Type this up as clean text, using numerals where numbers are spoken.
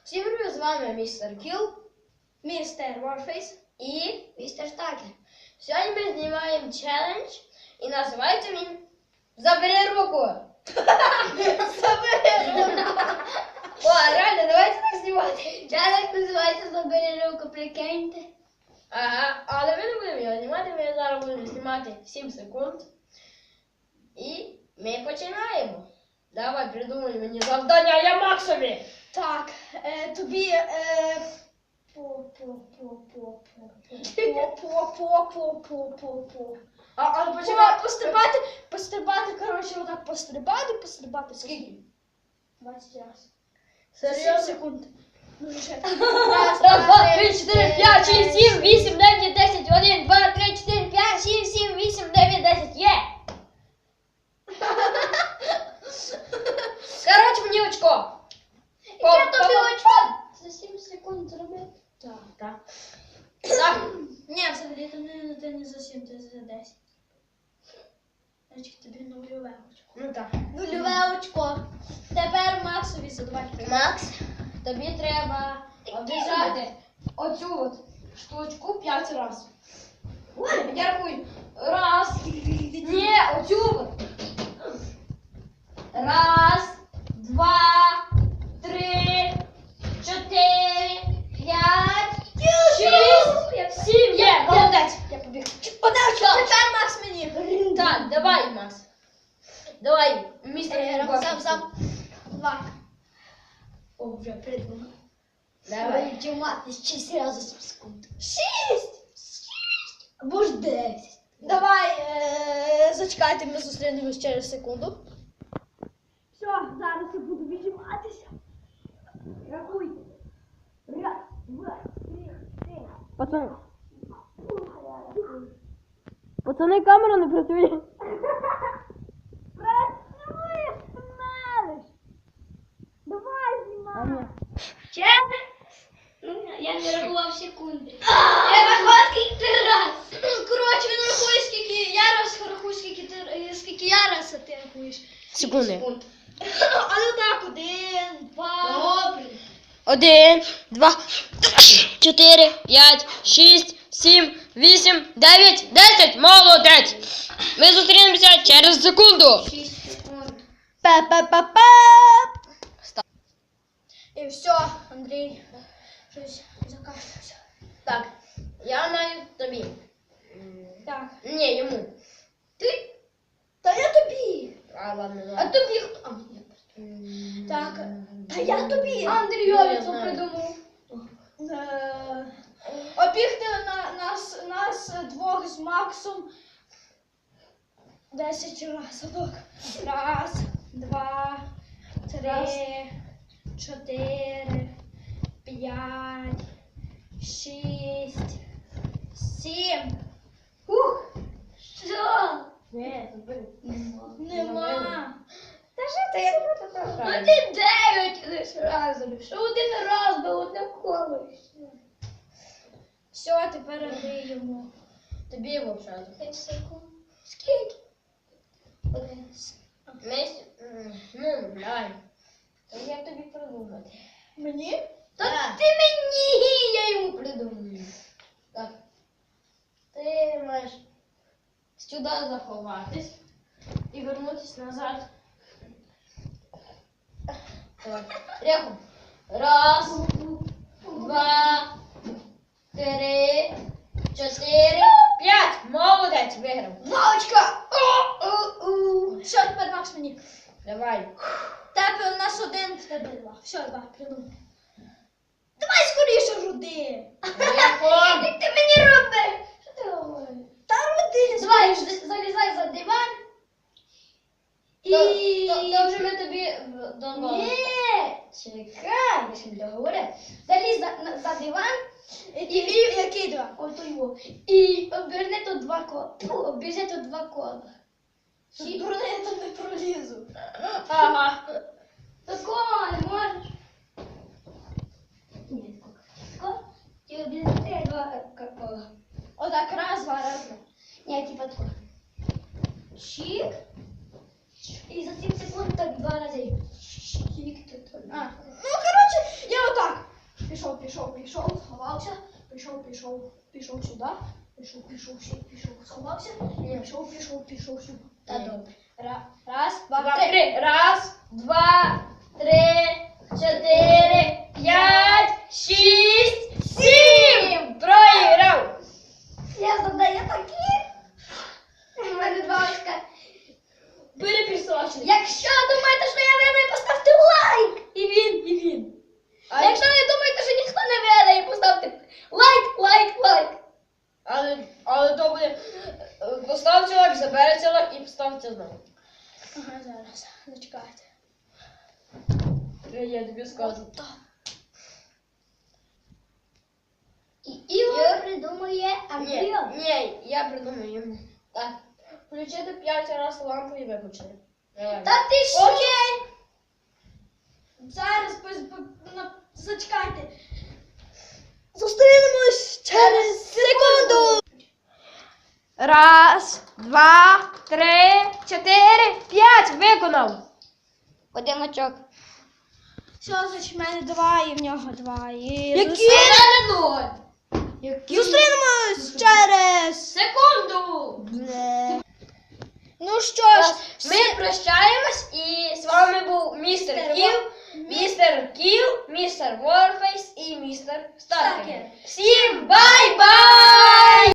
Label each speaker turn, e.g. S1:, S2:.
S1: Всім привіт, з вами містер Кіл,
S2: Містер Warface
S1: і містер Стакер. Сьогодні ми знімаємо челендж і називається він «Забери руку».
S2: Забери руку.
S1: О, реально, давайте так знімати.
S2: Челендж називається «Забери руку», прикиньте.
S1: Ага, але ми не будемо його знімати, ми зараз будемо знімати 7 секунд. І ми починаємо. Давай, придумай мені завдання, я Максові.
S2: Так, тобі
S1: А почекай,
S2: пострибати, коротше, отак пострибати.
S1: Скільки?
S2: 20 раз. 7
S1: Серйозно?
S2: секунд. Ну, вже.
S1: Раз, два, три, чотири, п'ять, шість, сім, вісім, дев'ять, десять, один, два, три, чотири, п'ять, шість, сім, вісім, дев'ять, десять, є! Коротше, мені очко.
S2: Я тобі очко. За 7 секунд зробити.
S1: Так.
S2: Ні, взагалі, ти не за 7, ти за 10. Значить, тобі нульове очко.
S1: Ну так.
S2: Нульове очко. Тепер Максові задавай.
S1: Макс, тобі треба обіжати оцю от штучку 5 разів. Я рахую. Раз. Ні, оцю от. Раз, два, три, чотири, п'ять, шість, сім. Є, молодець.
S2: Я побіг. Тепер Макс мені.
S1: Так, давай, Макс. Давай, містер.
S2: Сам. 2. О, вже придумав.
S1: Давай.
S2: Дімати 6 разів за 7 секунд. 6! Або ж 10. Давай, зачекайте, ми зустрінемось через секунду. Все, зараз я буду віджиматися. Рахуйте. Раз, два, три.
S1: Пацани, камера не працює.
S2: Працює, смелиш. Давай, знімай. Я не рахував секунди. Я рахував скільки раз. Коротше, він рахує скільки я раз рахую, скільки я раз, а ти рахуєш.
S1: Секунди.
S2: Але так, 1, 2. Добре.
S1: 1, 2, 4, 5, 6, 7, 8, 9, 10. Молодець. Ми зустрінемося через секунду.
S2: 6 секунд.
S1: Па-па-па-па.
S2: І все, Андрій. Щось закашлявся.
S1: Так, я маю тобі.
S2: Так.
S1: Ні, йому.
S2: Ти? Та я тобі.
S1: А, ладно,
S2: А
S1: ладно.
S2: тобі хто? А, ні. Так. Та я тобі.
S1: Андрійові це придумав.
S2: Обігти нас двох з Максом 10 разок. Раз, два, три, 4, 5, 6, 7. Ух! Що?
S1: Ні, забери.
S2: Нема.
S1: Та що ти? Я не буду
S2: Ну
S1: так.
S2: ти 9 лише разом. Що один раз би одне коло. Все, тепер Андрій йому.
S1: Тобі взагалі.
S2: 5 секунд. Скільки? 11.
S1: Ну, давай. То як тобі придумати?
S2: Мені?
S1: Та ти мені, я йому придумаю. Так. Ти маєш сюди заховатись і вернутися назад. Давай. Ряху. Раз, два, три, 4, 5. Молодець, виграв.
S2: Мамочка! Все, тепер Макс мені.
S1: Давай.
S2: Тебе у нас 1, в тебе 2. Все, 2, придумай. Давай скоріше руди.
S1: Ряху.
S2: Як ти мені робиш? Що ти говориш? Та руди. Давай, залізай за диван.
S1: То вже ми тобі дозволили.
S2: Ні, чекай, я ще не договорив. Залізь за диван. Який диван? Ото його. І оберни тут 2 кола. Обіжи тут 2 кола. Дурне, я тут не пролізу.
S1: Ага.
S2: Такого не можеш. Ні, тако. Ти обіжи 2 кола. Отак, раз, два, раз, два. Ні, типа тако. Чик. І за 7 секунд так 2 рази. Чик. Ну, коротше, я отак. пішов сюди. Пішов, сховався. Пішов сюди.
S1: Та добре.
S2: Раз, два,
S1: Два,
S2: три.
S1: три. Раз, два, три, чотири, п'ять, шість, сім. Проіграв.
S2: Я задаю такі. У мене 2 очка.
S1: Перепісочник.
S2: Якщо думаєте, що я виграю, поставте лайк. І він.
S1: А
S2: Якщо не думаєте, що ніхто не виграє, поставте лайк.
S1: Але то буде. Поставте лайк, заберете лайк і поставте знову.
S2: Ага, зараз. Зачекайте.
S1: Я тобі скажу.
S2: І Ігор придумує амбіон.
S1: Ні, я придумаю йому. Так. Включити 5 разів лампу і виключити. Давай.
S2: Та ти що?
S1: Окей.
S2: Зараз зачекайте. Зустрінемось через секунду.
S1: Раз, два, три, чотири, п'ять. Виконав.
S2: 1 очок. Все, значить, в мене 2 і в нього 2.
S1: Які? Ноль.
S2: Зустрінемось через
S1: Секунду.
S2: Ну що ж,
S1: Ми прощаємось і з вами був містер Кіл, містер Ворфейс і містер Старкер. Всім бай-бай!